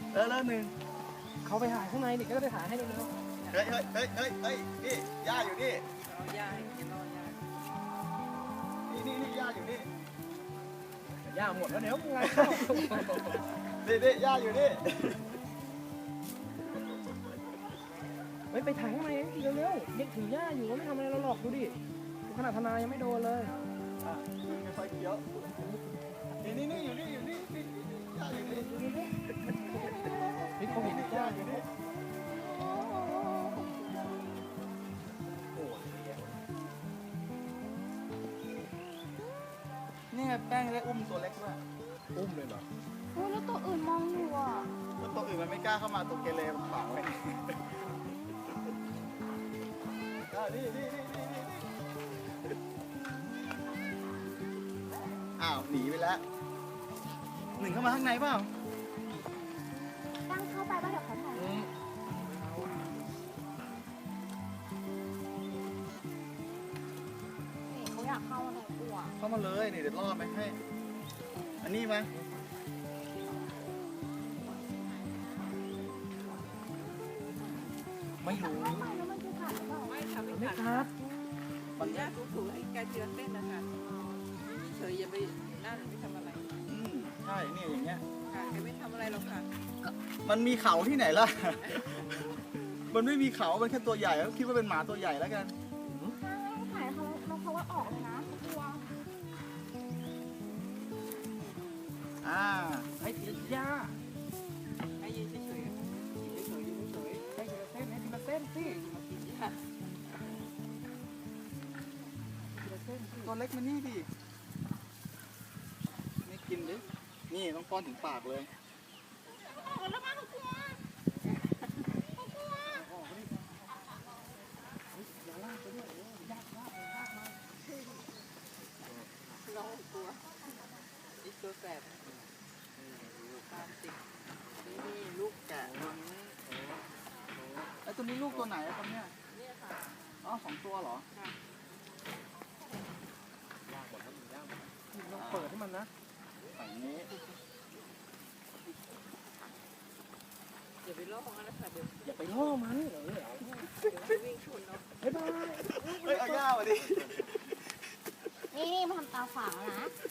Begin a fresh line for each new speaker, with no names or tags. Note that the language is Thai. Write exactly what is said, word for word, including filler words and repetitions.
เออแล้วหนึ่ง
เขาไปถ่ายข้างในดิก็ไปถ่ายให้เร็ว
เฮ้ยเฮ้ยเฮ้ยเฮ้ยเฮ้ยนี่ย่าอยู่นี่
เอายาให้กินเอายา
นี่นี่นี่ย่าอยู่นี่
ๆย่าหมดแล้วเดี๋ยวไงเข้า
นี่นี่ย่าอยู่นี่
ไม่ไปถ่ายข้างในเร็วๆเด็กถือย่าอยู่ไม่ทำอะไรเราหรอกดูดิขนาดทนายยังไม่โดนเลย
อ่ะไม่ค่อยเคี้ยวนี่นี่นี่อยู่นี่อยู่นี่นี่ย่าอยู่นี่
นี่เขาเห็นย่าอยู่นี่
เนี่ยแป้งได้อุ้มตัวเล็กด้วย
อุ้มเลยเหรอ
โอ้ยแล้วตัวอื่นมองอยู่อ่ะ
แล้วตัวอื่นมันไม่กล้าเข้ามาตัวเกเรมันฝังไว้อ่ะนี่นี่นี่นี่นี่อ้าวหนีไปแล้วหนึ่งเข้ามาข้างในเปล่า
ตั้งเข้าไปว่าเดี๋ยวเขาถ่าย
อืม
นี่เขาอยากเข้าอะไรกลัว
เข้ามาเลยนี่เดี๋ยวล่อไหมให้ อันนี้ไหม
ไม่รู้
เข้าไปแล้วมันจะขาดหรือเปล่า
ไม่ทำ
ไม่
ไม่
ค
ขา
รั
ด
บ
มันยาถูๆให้แกเจือเส้นนะคะเฉยอย่าไปนั่นไม่ทำอะไร
อืมใช่เนี่ยอย่างเงี้ย
ค่ะแกไม่ทำอะไรหรอกค่ะ
มันมีเขาที่ไหนล่ะ มันไม่มีเขา มันแค่ตัวใหญ่ก็คิดว่าเป็นหมาตัวใหญ่แล้วกัน
ถ้าไม่ถ่ายเขาแล้วเขาว่าออกเลยนะเขากลัว
อ่า
ให้ย่า
ให้ยืนเฉยๆยืนเฉยๆยืนเฉย
ให้ทีละเส้นให้ทีละเส้นสิ
ๆค่ะ
ทีละเส้นสิ
ตัวเล็กมันนี่ดินี่กินดิ นี่ต้องป้อนถึงปากเลย
ออกแล้วมาเขากลัว
น้องตัวอีกตัวแสบตามติดนี่นี่ลูกแกะ
ไอ้ตัวนี้ลูกตัวไหนอะครับเนี่ย
เนี่ยค่ะ
อ๋อสองตัวเหรอ
ค่ะ
ต้องเปิดให้มันนะ
ฝั่งนี้
อย่าไปล่อมันนะคะเดี๋ยว
อย่าไปล่อมันเออ
เดี๋ยวมันวิ่งชนเนาะ
บ๊ายบาย
เฮ้ยเอาย่ามาดิ
นี่นี่มาทำตาฝางแล้วนะ